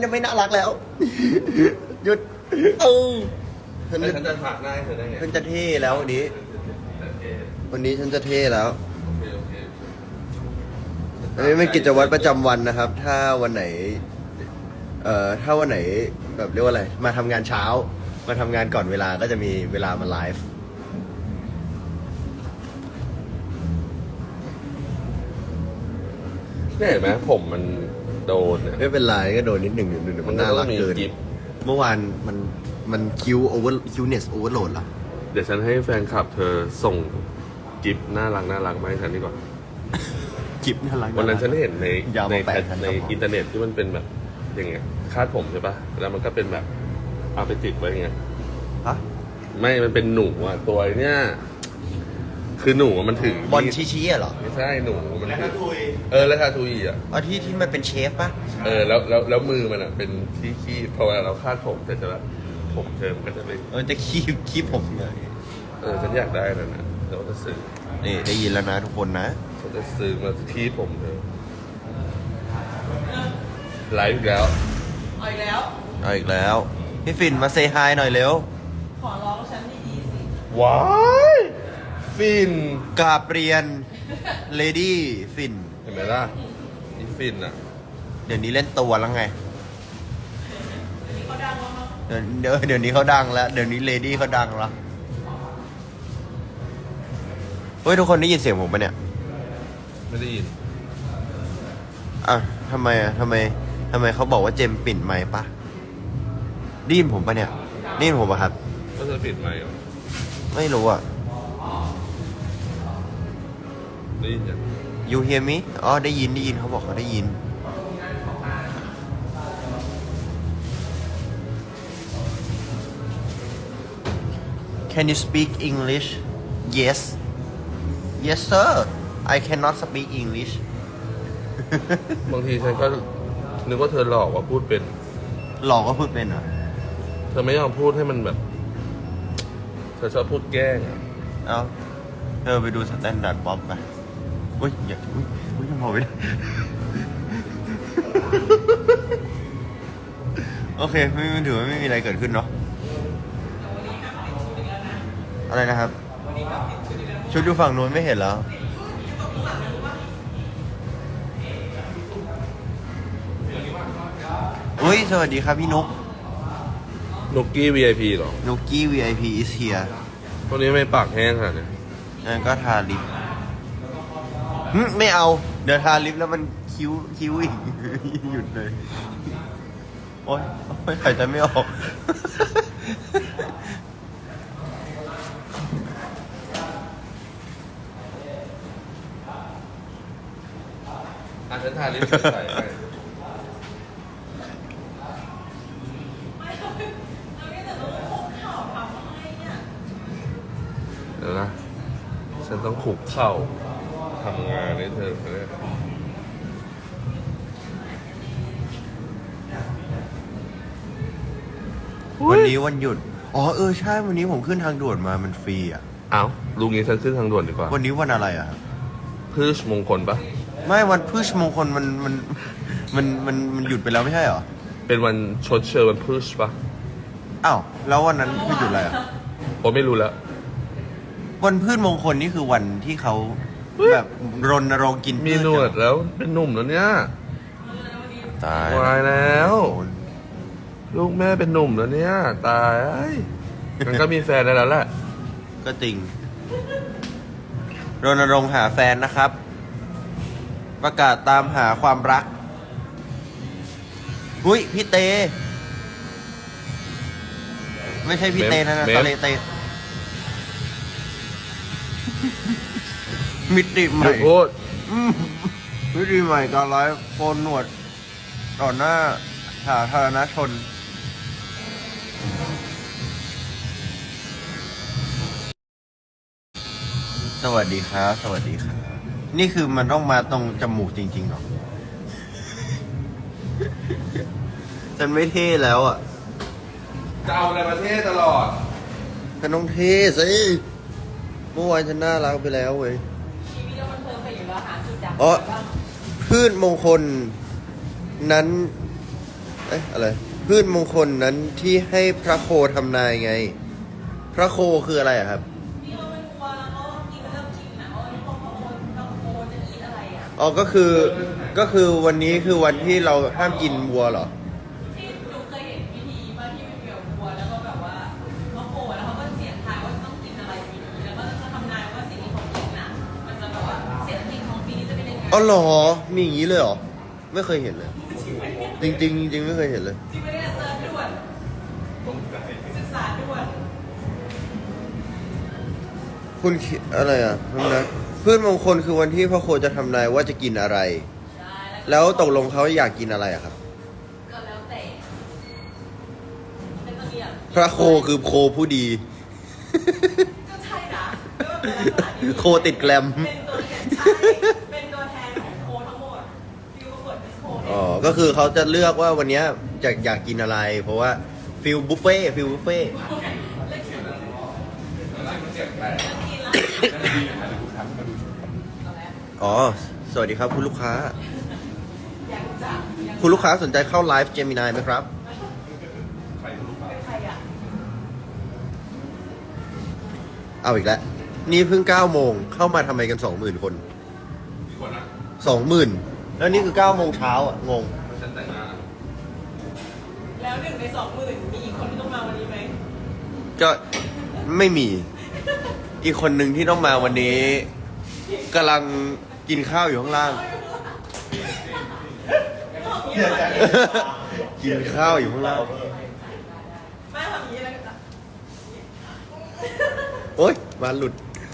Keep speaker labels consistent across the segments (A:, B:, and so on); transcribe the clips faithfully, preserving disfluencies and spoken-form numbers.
A: จะไม่น่ารักแล้วหยุดเออฉัน
B: ฉันจะผ่าหน้าให้เธอได้ไง
A: ฉันจะเท่แล้ววันนี้วันนี้ฉันจะเท่แล้วอันนี้เป็นกิจวัตรประจำวันนะครับ ถ้าวันไหนเอ่อถ้าวันไหนแบบเรียกว่าอะไรมาทำงานเช้ามาทำงานก่อนเวลาก็จะมีเวลามาไลฟ์
B: เนี่ยเห็นไหมผมมันโดนเนี่ย
A: ไม่เป็นไรก็โดนนิดหนึ่งหนึ่งมันน่ารักเกิน
B: กิฟ
A: เมื่อวานมันมันคิวโอเวอร์คิวเนสโอเวอร์โหลดเหรอ
B: เดี๋ยวฉันให้แฟนคลับเธอส่งกิฟน่ารักน่ารักมาให้ฉันดีกว่า
A: กิฟน่ารัก
B: วันนั้นฉันเห็นใน
A: ยาว
B: ใน
A: มาแป
B: แพ
A: ด
B: ท
A: พัน
B: ใน
A: กระบอก
B: อินเทอร์เน็ตที่มันเป็นแบบอย่างเงี้ยคาดผมใช่ปะแล้วมันก็เป็นแบบเอาไปติดไว้อย่างเงี้ย
A: ฮะ
B: ไม่มันเป็นหนูอ่ะตัวเนี้ยคือหนูมันถึง
A: บอลชี้ๆอะเหรอ
B: ไม่ใช่หนูมันถึงเออแล้วทาทุยอ่ะ
A: อ๋อที่ที่มันเป็นเชฟปะ
B: เออแล้วแล้วแล้วมือมันอ่ะเป็นที่ขี้พอเวลาเราคาดผมแต่จะผมเธอมันก็จะเป็น
A: เออจะคีบคีบผมเลย
B: เออฉันอยากได้นั่นนะเดี๋ยวจะซื้อ
A: นี่ได้ยินแล้วนะทุกคนนะ
B: ฉันจะซื้อมาที่ผมเธอไลฟ์อีกแล้ว
C: เอาอีกแล้ว
A: เอาอีกแล้วพี่ฟินมาเซฮายหน่อยเร็ว
C: ขอร้องฉันดีๆสิ
B: ว้ายฟิน
A: กราบเรียนเลดี้ฟิน
B: เห็นไหมล่ะนี่ฟินอ่ะ
A: เดี๋ยวนี้เล่นตัวแล้วไง
C: เขาดังแล้วมั้ง
A: เดี๋ยวเดี๋ยวเดี๋ยวนี้เขาดังแล้ว เดี๋ยวนี้เลดี้เขาดังแล้วเฮ้ยทุกคนได้ยินเสียงผมปะเนี่ย
B: ไม่ได้ยิน
A: อ่ะทำไมอ่ะทำไมทำไมเขาบอกว่าเจมปิ่นไมค์ปะได้ยินผมปะเนี่ยได้ยินผมปะครับ
B: ก็เธอปิดไมค์เหรอ
A: ไม่รู้อ่ะ
B: ได้ยินยัง
A: you hear me อ๋อได้ยินได้ยินเขาบอกเขาได้ยิน Can you speak English Yes Yes sir I cannot speak English
B: บางทีฉันก็นึกว่าเธอหลอกว่าพูดเป็น
A: หลอกก็พูดเป็นเหรอ
B: เธอไม่ยอมพูดให้มันแบบ เธอชอบพูดแกล้งอะ
A: เอาเธอไปดูสแตนดาร์ดบ๊อบไปอุ้ยอย่าอุ้ยอุ้ยยังพอไม่ได้ โอเคไม่ไม่ถือว่าไม่มีอะไรเกิดขึ้นเนาะอะไรนะครับ ชุดอยู่ฝั่งนู้นไม่เห็นแล้ว อุ้ยสวัสดีครับพี่นุก
B: นุกกี้ วี ไอ พี เหรอ
A: นุกกี้ วี ไอ พี is here
B: พวกนี้ไม่ปากแห้งขนาดนี้
A: งั้นก็ทาลิปหึไม่เอา เดี๋ยวทาลิปแล้วมันคิ้วคิ้วอีก หยุดเลย โอ๊ยโอ๊ยหายใจไม่ออก
B: อ่ะฉันทาลิปใส่ให้
C: ไม่เราไม่แต่ต้องคุกเข่าทำให้เนี่ย
B: เดี๋ยวนะ ฉันต้องขุกเข่าทำงานให้เธอเลย
A: วันนี้วันหยุด อ๋อเออใช่ วันนี้ผมขึ้นทางด่วนมามันฟรีอ่ะ
B: เอ้าลุงนี้ฉันขึ้นทางด่วนดีกว่า
A: วันนี้วันอะไรอ่ะครับ
B: พืชมงคลปะ
A: ไม่วันพฤชมงคลมันมันมันมันมันหยุดไปแล้วไม่ใช่เหรอ
B: เป็นวันชดเชยวันพืชปะ
A: อ้าวแล้ววันนั้นคือหยุดอะไรอ่ะ
B: ผมไม่รู้แล้ว
A: วันพืชมงคลนี่คือวันที่เขาแบบรณรงค์กิน
B: มี
A: พืช
B: หนวดแล้วเป็นหนุ่มแล้วเนี่ย
A: ตาย
B: วายแล้ว ลูกแม่เป็นหนุ่มแล้วเนี่ย ตายเอ้ยมันก็มีแฟนได้แล้วแหละ
A: ก็จริงรณรงค์หาแฟนนะครับ ประกาศตามหาความรักอุ้ยพี่เต ไม่ใช่พี่เตนะนะ
B: เมม
A: ตะเลเต มิติให
B: หยุ
A: ม่
B: ดพูด
A: อืมมิติใหม่การไลฟ์โกนหนวดต่อหน้าสาธารณชน สวัสดีครับ สวัสดีครับ นี่คือมันต้องมาตรงจมูกจริงๆเหรอ ฉันไม่เท่แล้วอ่ะ
B: จะเอาอะไรประเทศตลอด
A: ฉันต้องเท่สิเมื่อวานฉันน่ารักไปแล้วเว้ย
C: ชีวิตเรามันเพลินไปอยู่แล้วหาจุดดับ
A: อ๋อ
C: บ้าง
A: พืชมงคลนั้นเอ๊ะอะไรพืชมงคลนั้นที่ให้พระโคทำนายไง พระโคคืออะไรอะครับ
C: นี่เราเป็นวัวแล้วเขากินเริ่มกินนะว่าพอพอเราโคจะกินอะไรอ่ะ
A: อ๋อก็คือก็คือวันนี้คือวันที่เราห้ามกินวัวเหรอ
C: ที่หนูเคยเห็นพิธีว่าที่เป็นเกี่ยวกับวัวแล้วก็แบบว่าเขาโคแล้วเขาก็เสียงทายว่าต้องกินอะไรปีนี้แล้วก็จะทำนายว่าสิ่งที่เขากินน่ะมันจะแบบว่าเศรษฐกิจของปีนี้จะเป็นยังไง
A: อ๋อเหรอ มีอย่างนี้เลยเหรอ ไม่เคยเห็นเลย จริงจริงๆจริงๆไม่เคยเห็นเลย
C: ที่ไม่ได้เซิร์ชด่วนศึกษาด่วน
A: คุณคิดอะไรอ่ะทำนะพืชมงคลคือวันที่พระโคจะทำนายว่าจะกินอะไร
C: ใช่
A: แล้วตกลงเขาอยากกินอะไรอะครับ
C: ก็แล้วแต่เป็นตัวอย่าง
A: พระโคคือโคผู้ดี
C: ก็ใช่นะก็เป็นลักษณะนี้
A: โคติดแกรม
C: เป็นตัวแทนใช่เป็นตัวแทนของโคทั้งหมดฟิวประกวดมิสโคเนี่ย
A: อ๋อ ก็คือเขาจะเลือกว่าวันเนี้ยจะอยากกินอะไร เพราะว่าฟิลบุฟเฟ่ฟิลบุฟเฟ่ อ๋อ สวัสดีครับคุณลูกค้า คุณลูกค้าสนใจเข้าไลฟ์เจมินายไหมครับ เอาอีกแล้ว นี่เพิ่งเก้าโมง เข้ามาทำไมกันสองหมื่นคน สองหมื่น แล้วนี่คือเก้าโมงเช้าอ่ะ งง
C: แล้วหนึ่งในสองหมื่นมีอีกคนที่ต้องมาวันนี้ไหม
A: ก็ไม่มี อีกคนหนึ่งที่ต้องมาวันนี้กำลังกินข้าวอยู่ข้างล่าง กินข้าวอยู่ข้างล่าง
C: ไม่ทำอย่างนี้แล้วกัน
A: โอ๊ยมาหลุด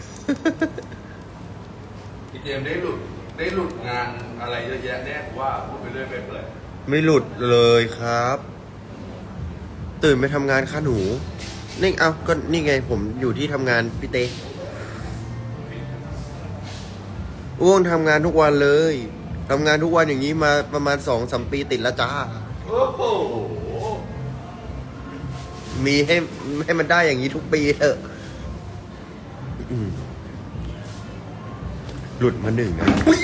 B: พี่เจมส์ได้หลุดได้หลุดงานอะไรเยอะแยะแน่กูว่าพูดไปเรื่อยไปเปื่อย
A: ไม่หลุดเลยครับ ตื่นไปทำงานค่ะหนู นี่เอาก็นี่ไงผมอยู่ที่ทำงานพี่เต้อ้วงทำงานทุกวันเลยทำงานทุกวันอย่างนี้มาประมาณสองสามปีติดแล้วจ้า
B: โอ้โห
A: มีให้ให้มันได้อย่างนี้ทุกปีเถอะอืมหลุดมาหนึ่งนะ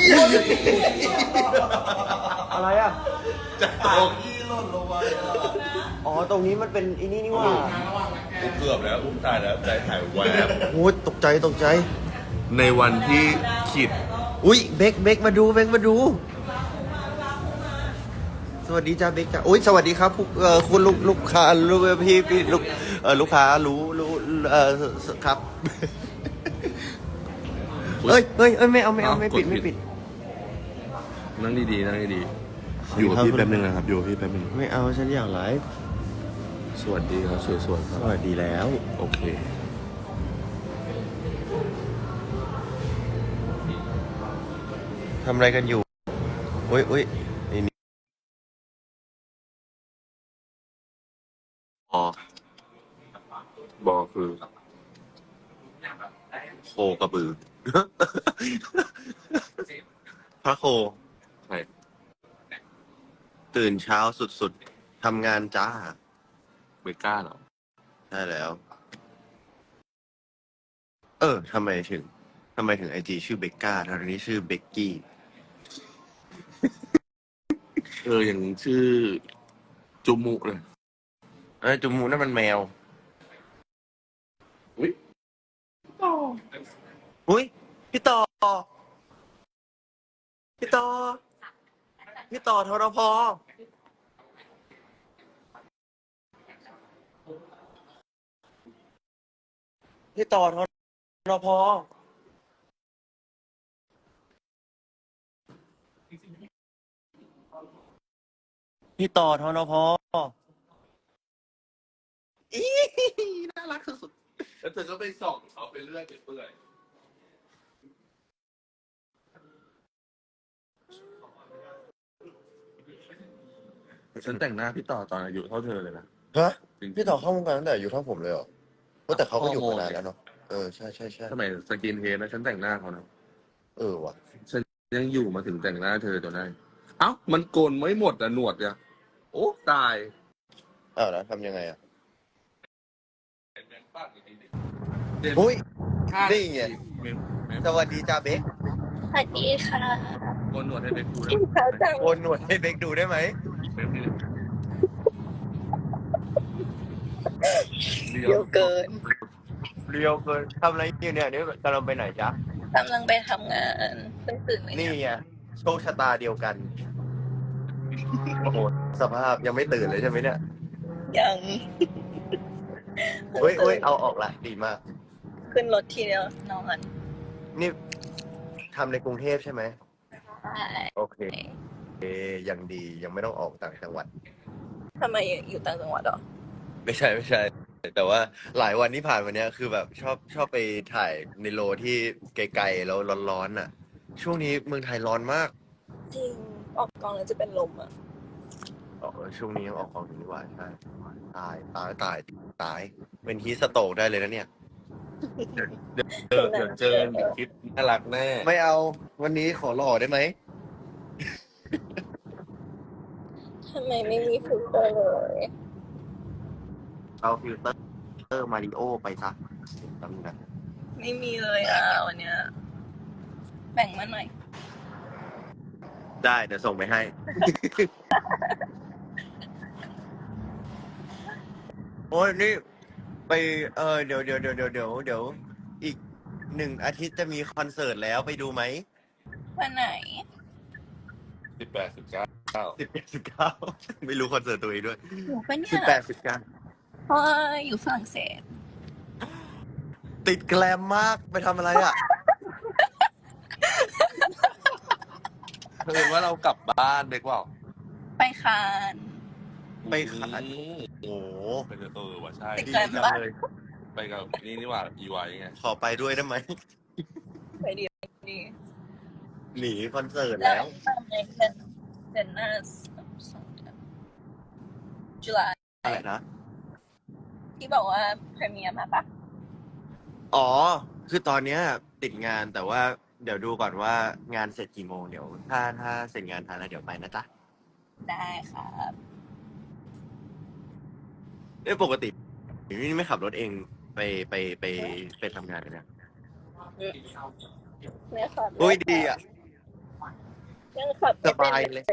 A: อะไรอ่ะ
B: จะตก
A: อ๋อ ตรงนี้มันเป็นอีนี่นี่ว่า
B: กูเกือบแล้วอุ้มตายแล้วใจหายแวบ
A: โอ้ยตกใจตกใจ
B: ในวันที่ขีด
A: อุ้ยเบกเบกมาดูเบกมาดู สวัสดีจ้าเบกจ้าอุ้ยสวัสดีครับผู้เอ่อคุณลูกลูกค้าลูกพี่พี่ลูกเออลูกค้ารู้รู้เออครับ เอ้ยเอ้ยเอ้ยไม่เอาไม่เอาไม่ปิดไม่ปิด
B: นั่งดีๆนั่งดีๆอยู่กับพี่แป๊บนึงนะครับอยู่กับพี่แป๊บนึง
A: ไม่เอาฉันอยากไลฟ์
B: สวัสดีครับสวยๆค
A: ส
B: รับ
A: วัสดีแล้ว
B: โอเค
A: ทำอะไรกันอยู่อุ้ยอุ้ยนี่นี่
B: อ๋อ บอคือ
A: โคกระบือ พระโค
B: ใคร
A: ตื่นเช้าสุดๆ ทำงานจ้า
B: เบก้าเหรอ
A: ใช่แล้ว เออ ทำไมถึง ทำไมถึงไอจีชื่อเบกก้าทางนี้ชื่อเบกกี้
B: เอออย่างชื่อ จุมุเลย
A: เอ้ยจุมูนั่นมันแมว
B: อุ้ย
A: อุ้ย พี่ต่อ พี่ต่อ พี่ต่อทรพพี่ต่อทรพพี่ต่อทรพอีน่ารักสุด
B: แล้วเธอก็ไปส่องเขาไปเรื่อยไปเปื่อยฉันแต่งหน้าพี่ต่อตอนอายุเท่าเธอเลยนะ
A: ฮะ พี่ต่อเข้าวงการตั้งแต่อายุเท่าผมเลยเหรอว่าแต่เขาก็อยู่มานานแล้วเนาะ เออ ใช่ใช่ใช่
B: สมัยสกินเฮดนะฉันแต่งหน้าเขานะ
A: เออว่ะ
B: ฉันยังอยู่มาถึงแต่งหน้าเธอจนได้ เอ้า มันโกนไม่หมดอะหนวดอะโอ้ ตาย
A: อ้าวแล้วทำยังไงอ่ะ อุ้ย นี่ไง สวัสดีจ้าเบก
D: สวัสดีค่ะ
B: โกนหนวดให้เบคดูได้
D: กิน
B: ไหม
D: ข้าวจัง
A: โอนหนวดให้เบกดูได้ไหม
B: เบคนี่เรีย
D: เยว อะเกิน
A: เรียวเกินทำอะไรอยู่เนี่ยนี่กำลังไปไหนจ๊ะ
D: กำลังไปทำงานเพิ่งตื่นเลย
A: นี่
D: เนี่ย
A: ไงโชคชะตาเดียวกัน โอ้โหสภาพยังไม่ตื่นเลยใช่ไหมเนี่ย
D: ยัง
A: เฮ้ยเฮ้ยเอาออกละดีมาก
D: ขึ้นรถทีเดียวนอน
A: นี่ทำในกรุงเทพใช่ไหม
D: ใช่
A: โอเคเอยังดียังไม่ต้องออกต่างจังหวัด
D: ทำไมอยู่ต่างจังหวัดเหรอ
A: ไม่ใช่ไม่ใช่ แต่ว่าหลายวันที่ผ่านมาเนี้ยคือแบบชอบชอบไปถ่ายในโลที่ไกลๆแล้วร้อนๆน่ะ ช่วงนี้เมืองไทยร้อนมาก
D: จริง ออกกองแล้วจะเป็นลมอ่ะ
A: อ๋อเออช่วงนี้ยังออกกองอยู่นี่หว่าใช่ตายตายตายตาย เป็นฮีสโตกได้เลยนะเนี่ย
B: เจอเดี๋ยวเจอในคลิปน่ารักแน่
A: ไม่เอาวันนี้ขอหล่อได้ไหม
D: ทำไมไม่มีฟิลเตอร์เลย
A: เอาฟิลเตอร์มาริโอไปซะตำนะ
D: ไม่มีเลยอ่ะวันเนี้ยแบ่งมาหน่อย
A: ได้เดี๋ยวส่งไปให้ โอ้ยนี่ ไปเออเดี๋ยวเดี๋ยวเดี๋ยวเดี๋ยวเดี๋ยวเดี๋ยวอีกหนึ่งอาทิตย์จะมีคอนเสิร์ตแล้วไปดูไหม
D: วันไหน
B: สิบแปดสิบเก้า
A: สิบแปดสิบเก้า ไม่รู้คอนเสิร์ตตัวเองด้วย
D: หนูปะเนี่
A: สิบ
D: ย
A: แปดสิบเก้า
D: เพราะว่าอยู่ฝรั่งเศส
A: ติดแกลมมากไปทำอะไรอ่ะ
B: เธอว่าเรากลับบ้านดีกว่า
D: ไปคาน
A: ไปขาย
B: อืม
A: โอ้โห
B: ไปเจอเออว่ะใช่
D: ติด
A: ดี
D: แกลม
A: จัง
D: ปะ
A: เลย
B: ไปกับนี่นี่หว่าอีไวไง
A: ขอไปด้วยได้ไหม
D: ไปดีดี
A: หนีคอนเสิร์ต
D: แล้
A: แล้ว ว
D: ตอนในเดือนเดือนหน้าสองเดือนจุลา
A: อะไรนะ
D: ที่บอกว่าพรีเมียร์มาปะ
A: อ๋อ คือตอนเนี้ยติดงานแต่ว่าเดี๋ยวดูก่อนว่างานเสร็จกี่โมงเดี๋ยวถ้าถ้าเสร็จงานทันแล้วเดี๋ยวไปนะจ๊ะ
D: ได้ครับ
A: เอ้ยปกตินี่ไม่ขับรถเองไปไปไปไปทำงานกันเนี่ย
D: เนี่ยครับ
A: อุ้ยดีอ่ะ
D: ยังขับ
A: สบายเลย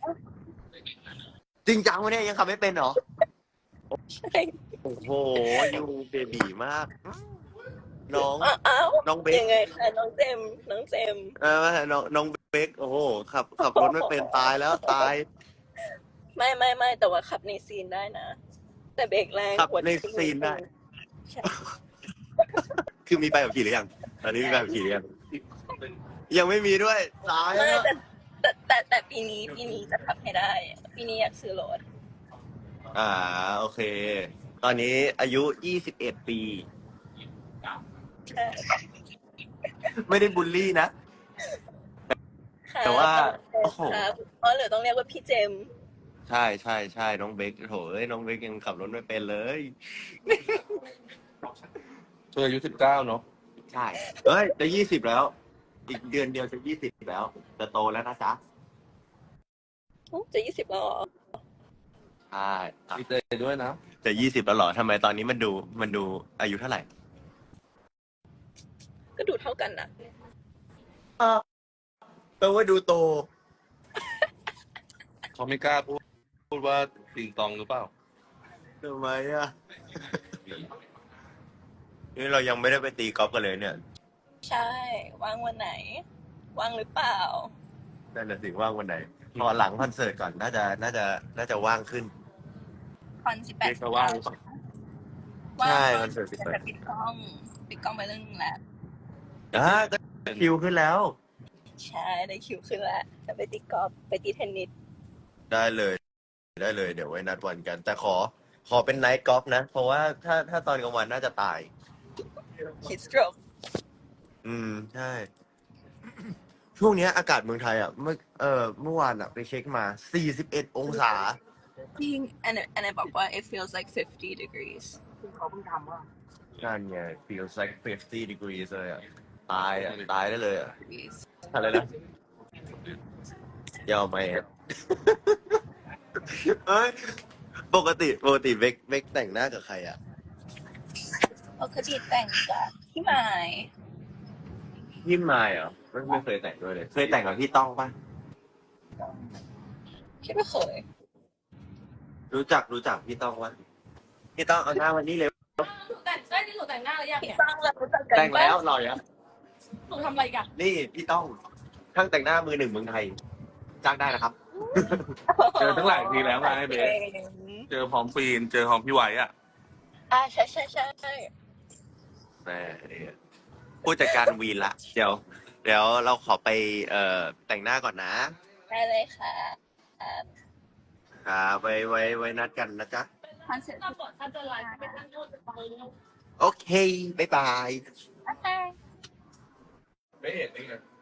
A: จริงจังวะเนี่ยยังขับไม่เป็นเหรอ
D: ใช่
A: โอ้โหยูเบบีมาก น้อง
D: อ้าว
A: น้องเบค
D: ยังไงคะน้องเจมส์น้องเจมส์
A: เออน้องน้องเบคโอ้โหขับขับรถไม่เป็นตายแล้วตาย
D: ไม่ไม่ไม่แต่ว่าขับในซีนได้นะ แต่เบรกแรง
A: ขับ
D: หัว
A: ในซีนได้
D: ใช่
A: คือมีใบขับขี่หรือยัง ตอนนี้มีใบขับขี่หรือยัง ยังไม่มีด้วยตาย
D: ไม่
A: แล้ว
D: แต่แต่แต่แต่ปีนี้ปีนี้จะขับให้ได้ ปีนี้อยากซื้อรถ
A: อ่าโอเค ตอนนี้อายุยี่สิบเอ็ดปี
D: ใช่
A: ไม่ได้บูลลี่นะ
D: ค่ะ
A: แต่ว่า
D: โอ้
A: โอ้
D: โห
A: โห
D: เพราะเหลือต้องเรียกว่าพี่เจมส์
A: ใช่ใช่ใช่น้องเบคโถเอ้ยน้องเบคยังขับรถไม่เป็นเลย
B: เธออายุสิบเก้าเนาะ
A: ใช่เอ้ยจะยี่สิบแล้ว อีกเดือนเดียวจะยี่สิบแล้ว จะโตแล้วนะจ๊ะ
D: อุ๊ยจะยี่สิบแล้วเหรอ
A: ใช่
B: ดีใจด้วยนะ
A: จะยี่สิบแล้วเหรอทำไมตอนนี้มันดูมันดูอายุเท่าไหร่
D: ก็ดูเท่ากันนะ
A: แปลว่าดูโต
B: เขาไม่กล้าพูดพูดว่าติงตองหรือเปล่า
A: ทำไมอ่ะ นี่เรายังไม่ได้ไปตีกอล์ฟกันเลยเนี่ย
D: ใช่ว่างวันไหน ว่างหรือเปล่า
A: นั่นแหละสิว่างวันไหน พอหลังคอนเสิร์ตก่อนน่าจะน่าจะน่าจะว่างขึ้น
D: คอนสิบแปด
B: เรียกว่าว่างหรือเปล่า
A: ใช่
D: ว่าง
A: คอนเสิร์ตสิบแปด
D: แต่ปิดกล้องปิดกล้องไปเรื่องนึงแล้ว
A: อ่าก็คิวขึ้นแล้ว
D: ใช่ได้คิวขึ้นแล้วจะไปตีกอล์ฟไปตีเทนนิส
A: ได้เลย ได้เลย เดี๋ยวไว้นัดวันกัน แต่ขอ ขอเป็นไนท์กอล์ฟนะ เพราะว่าถ้าถ้าตอนกลางวันน่าจะตาย
D: คิดสโตรก
A: อืม ใช่ ช่วงเนี้ยอากาศเมืองไทยอ่ะเมื่อเออเมื่อวานอ่ะไปเช็คมาสี่สิบเอ็ดองศา
D: จริง and and I บอกว่า it feels like fifty degrees
A: นั่นไง feels like fifty degrees เลยอ่ะ ตายอ่ะ ตายได้เลยอ่ะ
D: degrees
A: อะไรนะยอมไหมอ่ะ เอ้ย ปกติ ปกติเบกเบกแต่งหน้ากับใครอ่ะ
D: ปกติแต่งกับพี่ไม้
A: พี่มายเหรอไม่ไม่เคยแต่งด้วยเลย เคยแต่งกับพี่ต้องปะ
D: คิดว่าเคย
A: รู้จักรู้จักพี่ต้องปะพี่ต้องเอาหน้าวันนี้เลย
C: หนูแต่งได้ที่หนูแต่งหน้าแล้วยัง
D: พี่
C: เนี่ย
D: ตั้งเรารู้จักกัน
A: แต่งแล้ว
D: ปะ
A: หล่อยัง
C: หนูทำอะไรกัน
A: นี่พี่ต้องช่างแต่งหน้ามือหนึ่งเมืองไทยจ้างได้นะครับ
B: เจอตั้งหลายทีแล้วไงเบส
D: เก่ง
B: เจอพร้อมฟีน เจอพร้อมพี่ไหวอ่ะ
D: อ่าใช่ใช่ใช่
A: แม่เนี่ยผู้จัดการวีนละ เดี๋ยว เดี๋ยวเราขอไปเอ่อแต่งหน้าก่อนนะ
D: ได้เลยค่ะ
A: ครับไว้ไว้ไว้นัดกันนะจ๊ะ
D: คอนเสิร์ต
C: ถ้าปลดถ้าจะไลฟ์ก็ไปตั้งโทษจะไป
A: โอเค บ๊ายบาย
D: โอเค
B: ไม่เห็นนี่ไง